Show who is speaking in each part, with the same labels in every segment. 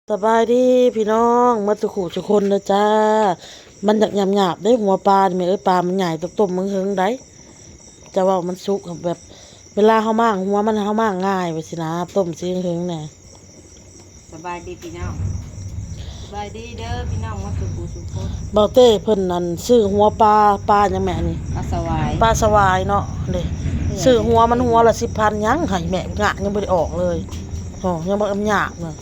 Speaker 1: สบายดีพี่น้องมาสุขุสุคนนะจ้ามันอยากหยาบได้หัวปลาเนี่ยปลามันใหญ่ต้มมึงเฮิงได้จะว่ามันสุกแบบเวลาเขามากหัวมันเขามากง่ายไปสินะต้มซีเฮิงเนี่ย
Speaker 2: สบายดีพี่น้องสบายดีเด้อพี่น้องมาสุขสุขคน
Speaker 1: เบาเต้เพิ่นนั่นซื้อหัวปลาอย่างแม่นี่
Speaker 2: ปลาสวาย
Speaker 1: ปลาสวายเนาะเลยซื้อหัวมันหัวละ10,000ยังให้แม่งะยังไม่ได้ออกเลยอ๋อยังบ่หยาบเลย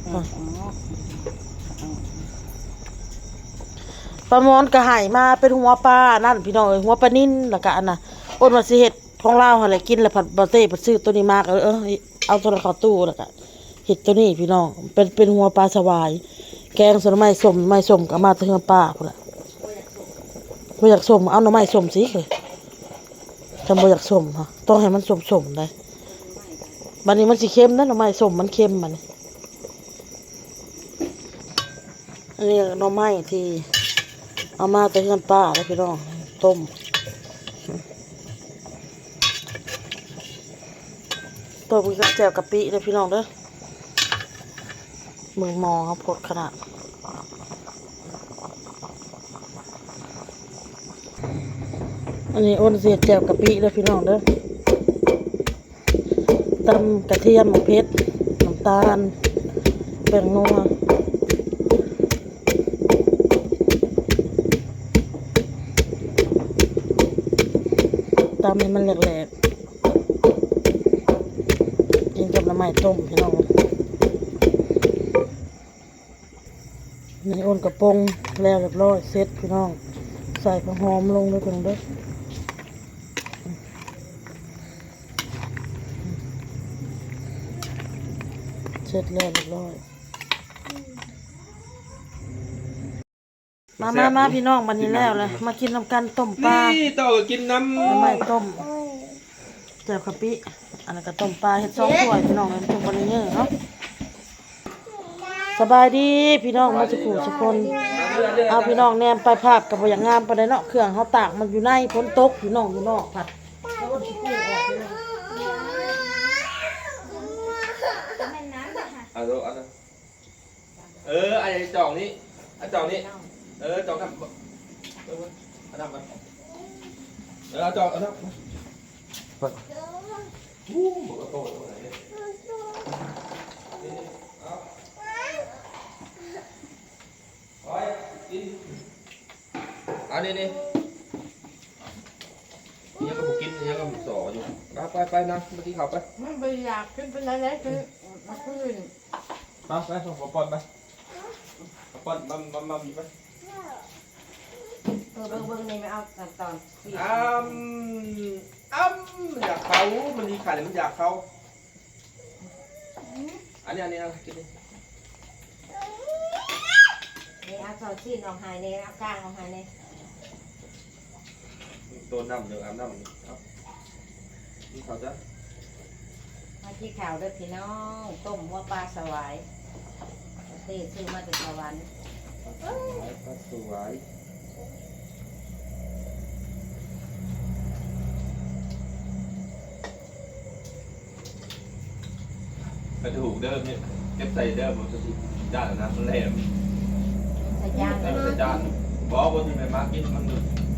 Speaker 1: ปลามอนก็ให้มาเป็นหัวปลานั่นพี่น้องหัวปลานิ่นแล้วก็อันน่ะอ้นว่าสิเฮ็ดของลาวหั่นแหละกินแล้วผัดบะเต้ผัดซื้อตัวนี้มาก็เอาตัวนั้นเข้าตู้แล้วก็เฮ็ดตัวนี้พี่น้องเป็นหัวปลาสวายแกงส่วนไม้ส้มก็มาเทื่อปลาพุ่นล่ะบ่อยากส้มเอาหน่อไม้ส้มสิเลยจำบ่อยากส้มฮะต้องให้มันส้มๆได้บัดนี้มันสิเค็มนะหน่อไม้ส้มมันเค็มบัดนี้อันนี้หน่อไม้ที่เอามาแต่เฮือนป้าแล้วพี่น้องต้มกับแจ่วกะปิเลยพี่น้องเด้อมือมองครับพดขนาดอันนี้อ้นเสียแจ่วกะปิเลยพี่น้องเด้อตำกระเทียมเพชรน้ำตาลแป้งนัวตำให้มันแหลกๆกินกับน้ำมันต้มพี่น้องนี่อ้นกระปงแล้วเรียบร้อยเสร็จพี่น้องใส่ผักหอมลงเลยพี่น้องเด้อเสร็จแล้วเรียบร้อยมาพี่น้องวันนี้แล้วเลยมากินน้ำกันต้มปลา
Speaker 3: นี่ต่อกินน้
Speaker 1: ำไม่ต้มแจ่วกะปิอันนั้นก็ต้มปลาเห็ด2 ถ้วยพี่น้องเลยต้มปลาเนื้อเนาะสบายดีพี่น้องมาสุขุสุคนเอาพี่น้องแนมไปภาพกับอย่างงามไปเลยเนาะเครื่องเขาตากมันอยู่ในฝนตกอยู่นอกผัด
Speaker 3: เอาไอ้จองนี้จองนี้จองทำเอาทำกันเอาจองเอาทำบอกว่าโตตรงไหนเนี่ยเอากินอันนี้นี่ยังก็กินยังก็สออยู่ไปนะเมื่อกี้เขาไป
Speaker 2: มันไม่อยากขึ้นเป็นอะไรคือมาขึ้น
Speaker 3: ไปส่งขอปอนไปปอนมาบีบไป
Speaker 2: เบิ่งนี่ไม่เอาตอน
Speaker 3: อยากเขามันดีขาดมันอยากเขาอันนี้นะกินดิ
Speaker 2: นี่เอาตอนที่น้องหายเนี่ยเอาก้างน้องหายเนี่ย
Speaker 3: ตัวน้ำเดี๋ยวอาบน้ำครับนี่เขาจะ
Speaker 2: มาที่ข่าวด้วยพี่น้องต้มหัวปลาสวายเต้ซื้อมาจากสวรรค์
Speaker 3: ปลาสวยกระถูกเดิมเนี่ยเก็บใส่เดิมมันจะด้านนะมันแหลม
Speaker 2: ใส่จาน
Speaker 3: ใส่จานบอกว่าที่แม่มากินมัน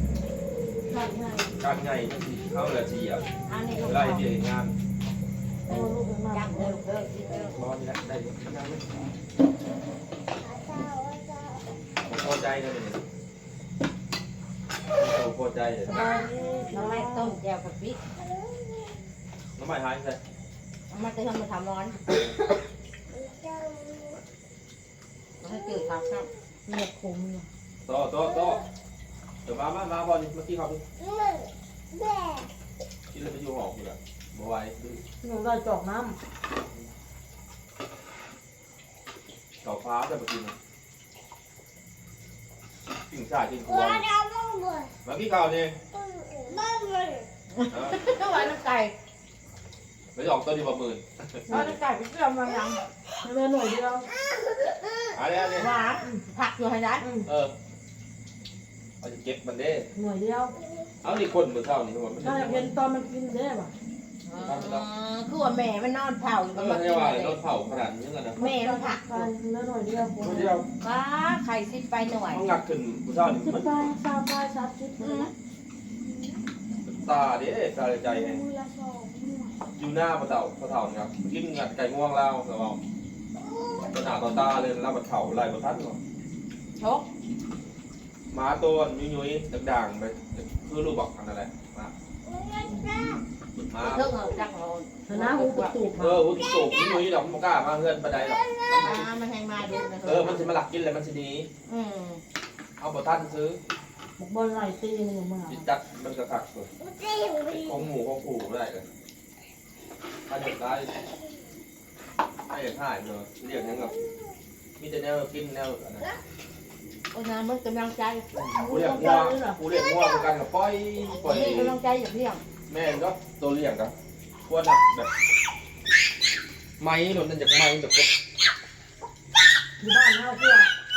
Speaker 3: การใหญ่มันสิเข้าละเฉียบไล่เบี้ยงาน
Speaker 2: จับเด้อ
Speaker 3: ร้อนแล้วได้ได้ไหมพอใจเลยเนี่ยพอใจเลย
Speaker 2: น้องไม้ต้มแจ่วกะปิ
Speaker 3: น้ำมันหายใส่
Speaker 2: มาเติมมาทำร้อนมันให้จืดครับ
Speaker 1: เลือดคม
Speaker 3: โตเดี๋ยวมาบอลนี่เมื่อกี้เขาดูกินแล้วไปอยู่หอกอยู่ละบ่ไหว
Speaker 1: หนูได้จอกน้
Speaker 3: ำต่อฟ้าแต่เมื่อกี้นะกิ่งชายกิ่งครัวเมื่อกี้เขาเนี่ย
Speaker 2: ต้องไว้น้ำไก่
Speaker 3: ไม่ออกตัวดีกว่า10,000
Speaker 2: เอาน้ำไก่ไปเชื่อมมายัง
Speaker 1: เลือดหน่อยเดียว
Speaker 3: อะไร
Speaker 2: หวานผักอยู่ให้ได้
Speaker 3: เอาจะเก็บมันได้
Speaker 1: หน่วยเดียว
Speaker 3: เอานี่คนมือเท่านี่ทั้งหมด
Speaker 1: ถ้าอยากเห็นตอนมันกินได้ป่ะ
Speaker 2: คือว่าแม่มันนอนเผาอยู่
Speaker 3: เอ
Speaker 2: กับ
Speaker 3: อ
Speaker 2: มัน
Speaker 3: ให้ว่าเราเผาขนาดนี้กันนะ
Speaker 2: แม่มันผัก
Speaker 1: ไปเนื้อหน่อยเดียว
Speaker 3: คนเดียว
Speaker 2: ว้าไข่ซิดไปหน่อย
Speaker 3: ต้องงักขึ้นผู้ชายนี่
Speaker 1: สิบ
Speaker 3: มัน
Speaker 1: ไปสามไปสามสิบเลยนะ
Speaker 3: ตาเด้ตาใจไงอยู่หน้าปลาเต่าครับกินงัดไก่ง่วงเราแต่ว่าตัวหนาตัวตาเลยแล้วปลาเต่าลายปลาทัดก่อน
Speaker 2: ชก
Speaker 3: ม้าตัวยุ้ยๆด่างๆไปคือรูปบอกอันนั่นแหละม้า
Speaker 2: เรื่องจักรโลน
Speaker 1: นะหูกระตุก
Speaker 3: วุ้นสูบยุ้ยๆดอกมันกล้ามาเพื่อนปลาใดหรอก
Speaker 2: มันแหงมาดูนะ
Speaker 3: มันจะมาหลักกินเลยมันจะดี เอาปลาทัดซื้อ
Speaker 1: บอกบอลไหลตีนี่มึง
Speaker 3: จิตจัดมันกระถักเลยของหมูของผูไม่ได้เลยถ้าเด็กได้ให้เด็กหายเลยเรียกยังกับมีแต่แนวกินแนวอะไร
Speaker 2: โอ้ยนะมันกำลังใจ
Speaker 3: กูเรียกงัวกันกับปล่อย
Speaker 2: นี่กำลังใจอย่างเพียง
Speaker 3: แม่ก็ตัวเลี้ยงกันพวกนั้นแบบไม้หล่นนั่นจากไม้แบบ
Speaker 1: ที่บ้านเฮาเพื่อ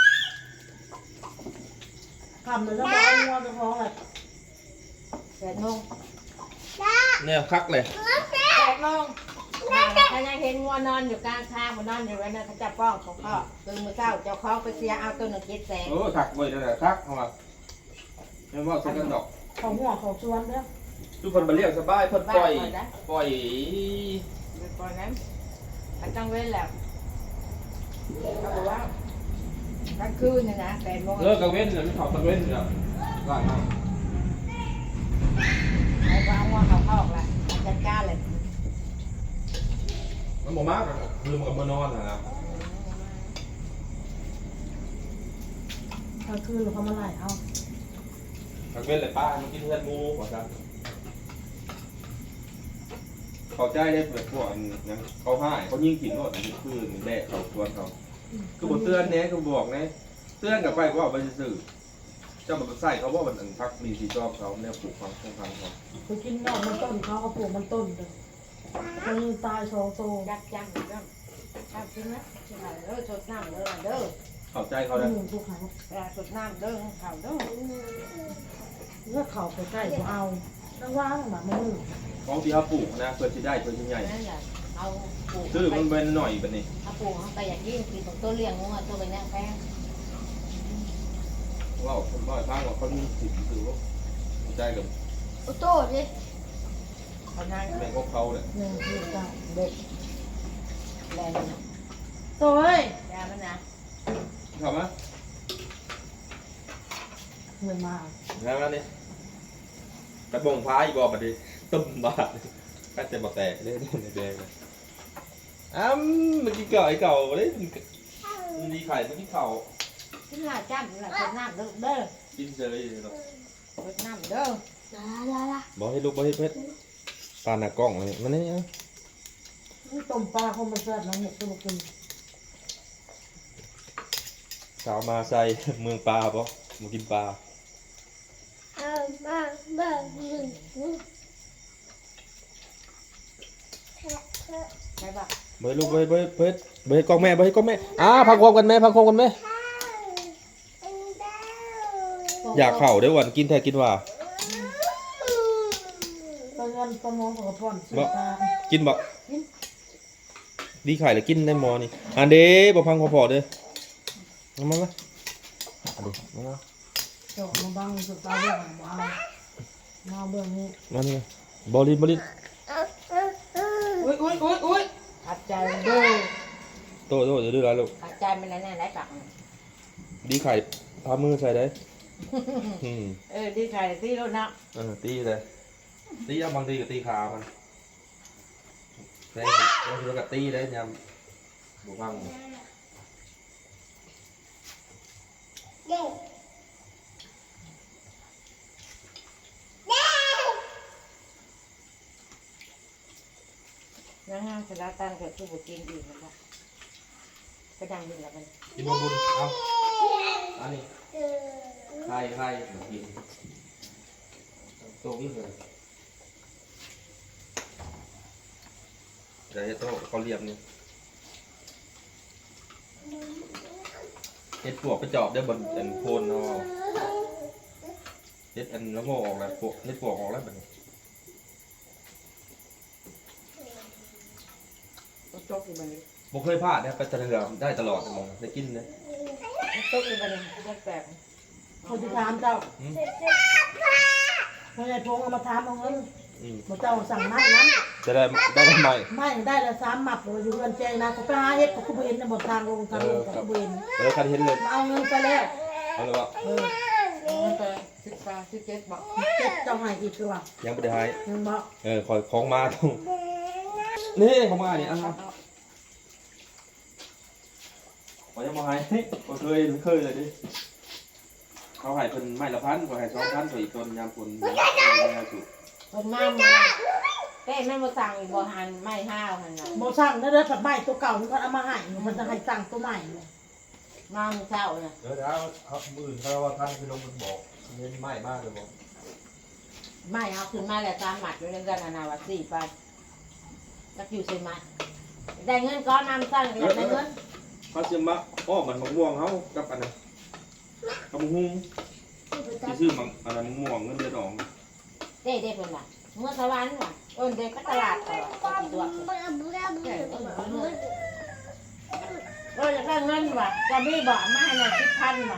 Speaker 1: ทำเลยแล้วบอกเอางัวจะท้องเลย
Speaker 2: 8 โมง
Speaker 3: เนี่ยคักเลย
Speaker 2: 8 โมงถ้ายังเห็นงัวนอนอยู่กลางทางมันนอนอยู่ไว้นะเขาจะป้องของพ่อตื่นมื้อเช้าเจ้าของไปเสียเอาตัวหนึ่ง700,000
Speaker 3: คักเว้ยนั่นแหละคักเอามาไม่ว่าใช้กันดอก
Speaker 1: เขาหัวเขาชวนเด้อ
Speaker 3: ทุกคนมาเรียกสบายเพิ่นปล่อย
Speaker 2: ก่อนนั้นมันต้องเว้นแล้วเขาบอกว่ากลางคืนเนี่ยนะ8 โมง
Speaker 3: เลิกกังเว้นเลยไม่ถอดกังเว้นเลยร้านมา
Speaker 2: ไอ้บ้าว่าเขาเข้าออกละจัดการเลย
Speaker 3: มันบ่มากคือมันกับมันนอนนะ
Speaker 1: กลางคืนเขามาไล่เอา
Speaker 3: กังเว้นเลยป้ามันกินเพื่อนมูกว่าซะเขาใจได้เปิดพวกอันนั้นเขาให้เขายิ่งกินรถอันนี้คือแรกเขาชวนเขาคือบทเตือนเนี้ยคือบอกเนี้ยเตือนกับไปว่าไปสื่อเจ้ามันใส่เขาว่ามันพักมีสีจอบเขาเนี่ยปลูกฟังเขา
Speaker 1: ไปกินนอกมันต้นเขาปลูกมันต้นเลยคนตายสองโต
Speaker 2: จัดจังจังทำจริงนะใช่เด้อสดน้ำเด้อเด้อ
Speaker 3: เข้าใจเขาได้
Speaker 1: ทุกครั้ง
Speaker 2: สดน้ำเด้อข่าวเด้อ
Speaker 1: เลือกเขาไปใกล้ก็เอาตั้งว่างแบบมือ
Speaker 3: ของที่เขาปลูกนะเพื่อที่ได้เพื่อที่ใหญ่
Speaker 2: นั่นแหละเอาปลูก
Speaker 3: ซื้อมันเป็นหน่อยแบบนี้
Speaker 2: เอาปลูกเขาไปอย่างยิ่งกินของตัวเลี้ยงงัวตัวเป็นแนงแป้ง
Speaker 3: ว่าผมว่าทางว่าเขามีสิทธิ์ซื้อว่าใจกับ
Speaker 2: โอ้โต้ดิเขานั่ง
Speaker 3: แม่ของเขาเนี่ย
Speaker 1: หนึ่งคือเก้า
Speaker 2: เด็กแรง
Speaker 1: โต้ย
Speaker 2: ยามันนะ
Speaker 3: เข้ามา
Speaker 1: เงินมา
Speaker 3: แล้วนี่กระบงพายบอกมาดิต้มบาดก็จะมาแตกเลยแดงเลยเมื่อกี้เก่าไอ้เก่าเลยมันดีไข่เมื่อกี้เข่า
Speaker 2: กินหลายจ้ำหลายสดน้ำเด้อเด้อ
Speaker 3: กินเฉยเลย
Speaker 2: สดน้ำเด้อ
Speaker 3: บอกให้ลูกบอกให้เพชรปลาหน้ากล้องเลยมันนี่
Speaker 1: ต้มปลาคงมาแซ่บน้องหมกตัวกิน
Speaker 3: สาวมาใส่เมืองปลาปะมากินปลา
Speaker 2: ใช่ปะ
Speaker 3: เบยลูกเบยกล้องแม่เบยกล้องแม่พักความกันแม่พักความกันแม่อยากเข่าได้วันกินแท้กินว่า
Speaker 1: ตอนนั้นตอนมองกับพ่อนสีตา
Speaker 3: กินบ่ดีไข่แล้วกินได้หมอนี่อันเด้บ่พังพอๆเด้อมาอันนี้มา
Speaker 1: เจาะมาบังสุดตาเรื่องมามาเบื้องนี้
Speaker 3: มานี่บอลิน
Speaker 2: อุ้ยขัดใจเด้อ
Speaker 3: โตเดี๋ยวดื้อแล้วลูก
Speaker 2: ขัดใจมันแล้วเนี่ยได้ปาก
Speaker 3: ดีไข่พามือใส่ได้
Speaker 2: ดีใจที่รถนะ
Speaker 3: ตีเลยตีบางทีก็ตีขามันแต่บางทีก็ตีได้ยำบุฟัง
Speaker 2: นะฮะสาระตันกับทุบุกินดีมันละก็ดังดีแล้วมัน
Speaker 3: กินบุญเอาอันนี้ไข่กินโตวิ่งเลยเดี๋ยวโตเขาเรียบนี่เห็ดปวกไปจอบได้บนอันโคนเนาะเห็ดอันแล้วโง่ออกแล้วปวกเห็ดปวกออกแล้วแบบนี้บ่เคยพลาดนะไปแต่ละเรือได้ตลอดมองได้กินนะ
Speaker 2: ตุ๊กเลยบัดนี้แปลก
Speaker 1: เขาจะถามเจ้าพ่อใหญ่พงเอามาถามเอาเงินบอกเจ้าสั่งไม้นะ
Speaker 3: จะได้ใหม่
Speaker 1: ไม่ได้ละ3 หมัดเลยอยู่เงินใจนะเขาไปหาเฮ็ดเขาคุบเห็นในบททางลงทางลงเขาคุบเห็น
Speaker 3: แล้วคันเห็นเลย
Speaker 1: มาเอาเงินไปแล้ว
Speaker 3: เอาเลยว่า
Speaker 2: มันก็17 บอก
Speaker 1: เจ็ดเจ้าให้อีกตัว
Speaker 3: ยังไม่ได้ให้
Speaker 1: ยังบอก
Speaker 3: คอยของมาตรงนี่ของมาเนี่ยขอยังมาให้ก็เคยเลยดิเขาให้เป็นไม้ละพันก็ให้2,000ก็อีกต้นยามฝนถูก
Speaker 2: คนมาหมดเต้แม่มาสั่งอีกบ่หันไม่ห้าวหันน่ะ
Speaker 1: โมสั่งได้เลยผัดใหม่ตัวเก่ามันก็เอามาให้มันจะให้สั่งตัวใหม่
Speaker 2: มาเมื่อเช้าน่ะ
Speaker 3: เดี๋ยวเขามื่นเขาว่าท่านคือลงมันบอกเน้นไม้มากเลยบอก
Speaker 2: ไม่เอาขึ้นมาแล้ว3 หมัดอยู่ในกันนาวัด4ไปจักอยู่4 หมัดได้เงินก้อนนำสั่งอยากได้เงิน
Speaker 3: เขาจะมาอ้อมันมะม่วงเขากับอันนั้นกับมะฮุ้งที่ซื้อมันอันนั้นมะม่วงเงินเดือนออก
Speaker 2: เด้เพิ่นน่ะเมื่อสวรรค์ว่ะเด็กก็ตลาดต่อตัวอยากได้เงินว่ะจะมีบ่มาให้น่ะ10,000ว่ะ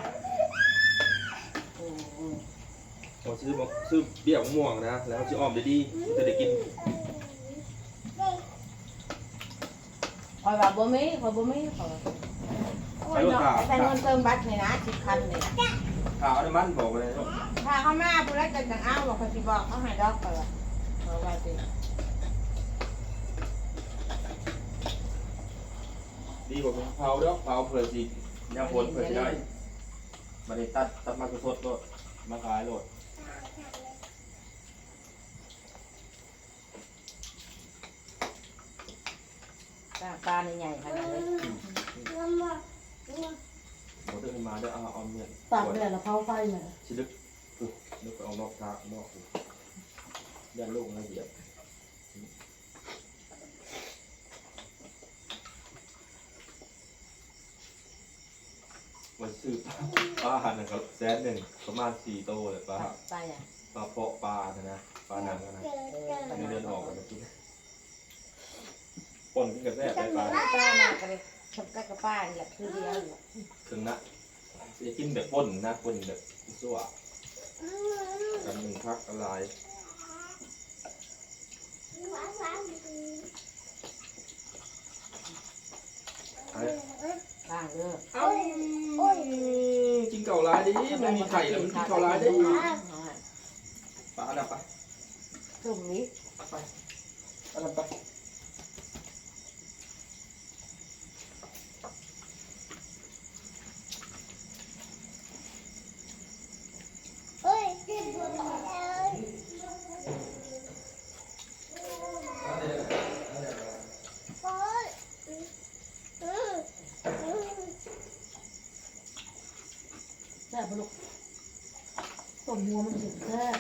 Speaker 3: เขาซื้อเบี้ยมะม่วงนะแล้วเขาจะอ้อมได้ดีจะได้กิน
Speaker 2: คอยว่าบ่มีคอยบ่มีคอยแต่เงินเติมบัตรนี่นะ10,000นี่นะ
Speaker 3: ข่าวน้ำมันบอกเลย
Speaker 2: ถ้าเขามาผู้ใดจะจังเอาบอกเขาสิบอกเขาให้ดอกไปว่าเขาว่าสิ
Speaker 3: ดีกว่าเผาเด้อเผาเผื่อสิยามฝนเผื่อสิได้มาได้ตัดมาสดๆโลดมาขายโลด
Speaker 2: ปลาใหญ่ขนาดนี้
Speaker 3: เขาจะมาได้เอาเมียน
Speaker 1: ตากแดดแล้วเผาไฟเนี่ย
Speaker 3: ชิลึกนึกเอานอกทางนอกยันลูกนะเดียบมันซื้อปลาหนึ่งครับ100,000ประมาณ4 โตเลยปลา
Speaker 2: ปลาอย่าง
Speaker 3: ปลาเพาะปลานะปลาหนังนะเดือนออกกันกินป่นกินกับแซ่บไปปลา
Speaker 2: ปลามาก็เลยทำกับป้านี่แหละคือเดียว
Speaker 3: ถึงนะจะกินแบบป่นนะป่นแบบซั่วกัน1 พักอะไร
Speaker 2: ปลาเด้อ
Speaker 3: เอ้ากินเก่าร้ายดิไม่มีไข่แล้วมันกินเก่าร้ายดิปลาดับไป
Speaker 2: ตรงนี้
Speaker 3: ไปปลาดับไป
Speaker 1: แซ่บลูกต้มหัวมันสุดแซ่บ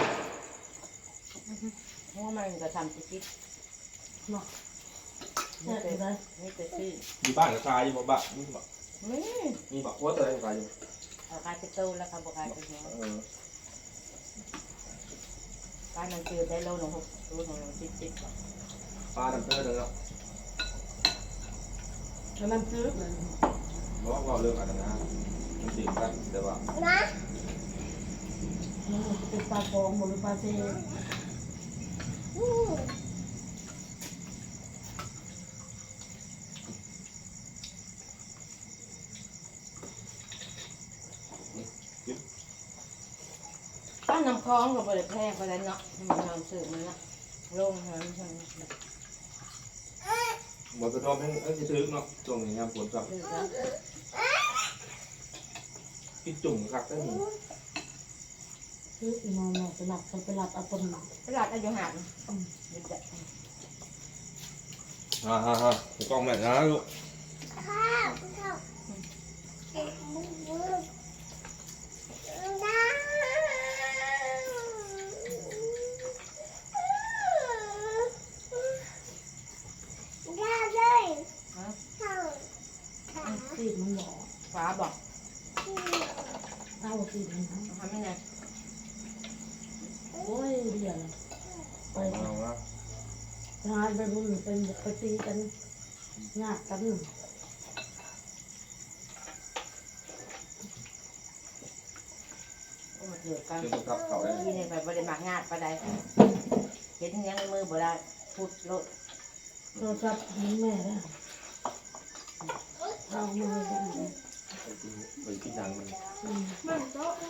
Speaker 2: เพราะมันก็ทำติ๊ก
Speaker 1: เนาะแซ่บอยู่เลย
Speaker 2: นี่เป็นที่
Speaker 3: อยู่บ้านกับชายอยู่บ่บ้านนี่บ่
Speaker 2: นี่
Speaker 3: มีบ่ว่าแต่กับชายอยู่
Speaker 2: เอาขายเป็นตู้แล้วเขาบอกขายเป็นหัวปลามันคือได้โลหนึ่ง6 โลหนึ่ง10
Speaker 3: ปลาดับเตอร์แล้ว
Speaker 1: แล้วมันซื้อเลย
Speaker 3: บอกว่าเรื่องอะไรนะมันติดกันแต่ว่า
Speaker 1: มันจะเป็นปลาฟองหรือปลาเซ
Speaker 2: ป้าน้ำคลองกับบริแพร่ไปแล้วเนาะมันนอนสื่อมันละลงหันใช่ไหม
Speaker 3: บ่กระทบให้สิถึกเนาะช่วงนี้ยามฝนครับ
Speaker 2: สื่อแล้ว
Speaker 3: กินจุ่มคักได้นี่
Speaker 1: ซื้ออีนอนไปหลับไปหลับเอาปนหนัก
Speaker 2: ตลาดอายุหันเด็ด
Speaker 3: ฮ่าถูกต้องแม่นะลูก
Speaker 1: ซีดมันหล่อ
Speaker 2: ฟ้าบอก
Speaker 1: เอาซีดมัน
Speaker 2: ทำไม่ไง
Speaker 1: โอ้ยเดี๋ยวไป
Speaker 3: เอาละ
Speaker 1: ทานไปบุญเป็นไปตีกันยากกัน
Speaker 2: โอ้เถื่อกัน
Speaker 3: เรื่องกับเขาได้
Speaker 2: ที่นี่ไปบริมากงานไปได้เห็นยังมือบ่ได้พูดโลด
Speaker 1: โทรศัพท์ให้แม่นะเอามือกัน
Speaker 3: ไปกินหนังมัน
Speaker 4: มันโต๊ะ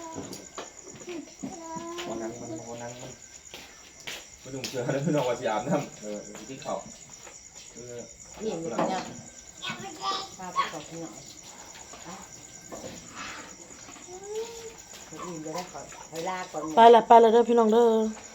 Speaker 3: หัวหนังมันไม่ต้องเชื่อนะพี่น้องว่าสิอาบน้ำที่เขา
Speaker 2: นี่มันเป็นยังป้าไปตอบหน่อยอิ่มจะได้ขอเวลาก่อน
Speaker 1: ไปละเด้อพี่น้องเด้อ